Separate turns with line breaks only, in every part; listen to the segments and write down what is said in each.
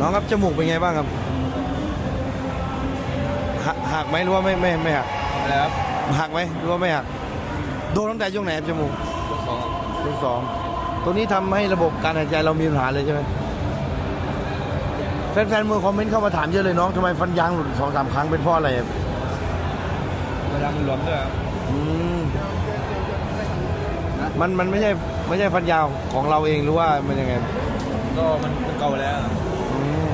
องครับจมูกเป็นไงบ้างครับหักไหมหรือว่าไม่หัก
อะไรครับ
หักไหมหรือว่าไม่หักโดนตั้งแต่ช่วงไหนครับจมูก
สอง
ช่วงสองตัวนี้ทำให้ระบบการหายใจเรามีปัญหาเลยใช่ไหมแฟนๆมือคอมเมนต์เข้ามาถามเยอะเลยน้องทำไมฟันยางหลุด2-3 ครั้งเป็นเพราะอะไรครับ
เวลามันหลวมด้วยครับ
อืมมันไม่ใช่ฟันยาวของเราเองหรือว่ามันยังไง
ก็มันเก่าแล้ว
อืม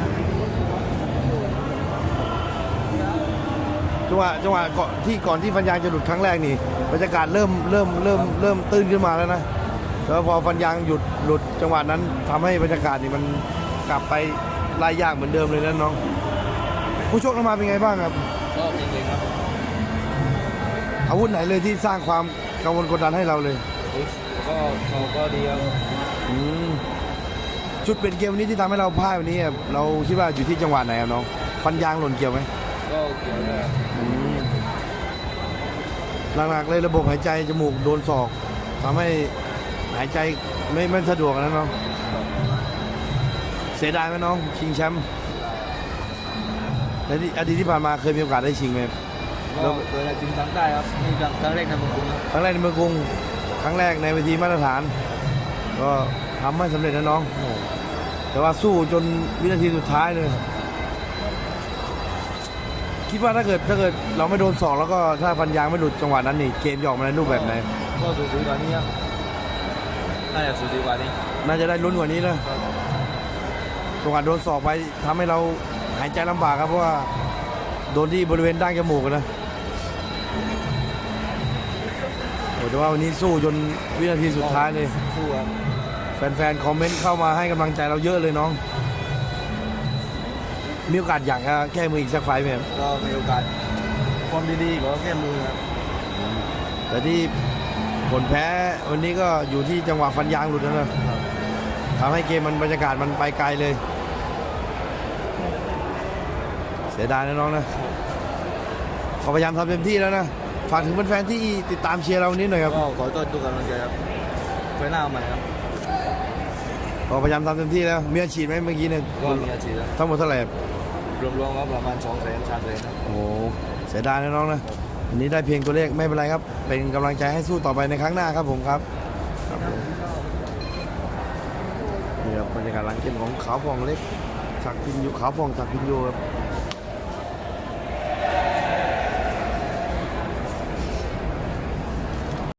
จังหวะก่อนที่ฟันยางจะหลุดครั้งแรกนี่บรรยากาศเริ่มตื้นขึ้นมาแล้วนะแล้วพอฟันยางหลุดจังหวะนั้นทำให้บรรยากาศนี่มันกลับไปไล่ยากเหมือนเดิมเลยนะน้องผู้ชกออกมาเป็นไงบ้างครับ
ก็จริงๆครับ
อาวุธไหนเลยที่สร้างความกังวลกดดันให้เราเลย
ก็เขาก็ดีครับ
อืมจุดเปลี่ยนเกมวันนี้ที่ทำให้เราพ่ายวันนี้ครับเราคิดว่าอยู่ที่จังหวะไหนครับน้องฟันยางหล่นเกี่ยวไหม
ก็เกี่ยวด้วยครับ
หลักๆเลยระบบหายใจจมูกโดนศอกทำให้หายใจไม่สะดวกนะน้องเสียดายไหมน้องชิงแชมป์ในอดีตที่ผ่านมาเคยมีโอกาสได้ชิงไหม
ก็เวลาจริงครั้งได้ครับนี่ครั้งแรกในเมืองกรุงครับ
ครั้งแรกในเมืองกรุงครั้งแรกในเวทีมาตรฐาน ก็ทำไม่สำเร็จนะน้องแต่ว่าสู้จนวินาทีสุดท้ายเลย คิดว่าถ้าเกิดเราไม่โดนศอกแล้วก็ถ้าฟันยางไม่หลุดจังหวะนั้นนี่เกมจะออกมาในรูปแบบไหน
ก็สูสีกว่านี้ครับน่าจะสูสีกว่านี้
น่าจะได้ลุ้นกว่านี้นะจังหวะโดนศอกไปทำให้เราหายใจลำบากครับเพราะว่าโดนที่บริเวณด้านจมูกนะโอ้แต่ว่าวันนี้สู้จนวินาทีสุดท้ายเลย
สู้ครับ
แฟนๆคอมเมนต์เข้ามาให้กำลังใจเราเยอะเลยน้องมีโอกาสอยากจะแก้มืออีกสักไฟล์ไหมครับ
ก็มีโอกาสความดีๆก็แก้มือครับ
แต่ที่ผลแพ้วันนี้ก็อยู่ที่จังหวะฟันยางหลุดนะทำให้เกมมันบรรยากาศมันไปไกลเลยเสียดายนะน้องนะขอพยายามทำเต็มที่แล้วนะฝากถึงแฟนๆที่ติดตามเชียร์เราวันนี้หน่อยครับ
ก็ขอต้อนทุกกำลังใจครับไว้หน้าใหม่ครับ
ขอพยายามทำเต็มที่แล้วมีอาชีพไหมเมื่อกี้เนี่ย
ก็มีอาชีพแล้ว
ทั้งหมดเท่าไหร่ครับ
รวมๆก็ประมาณ200,000-300,000ครับ
โอ้โหเสียดายนะน้องนะวันนี้ได้เพียงตัวเลขไม่เป็นไรครับเป็นกำลังใจให้สู้ต่อไปในครั้งหน้าครับผมครับนี่ครับบรรยากาศหลังเกมของขาวพองเล็กศักดิ์พินโยขาวพองศักดิ์พินโยครับ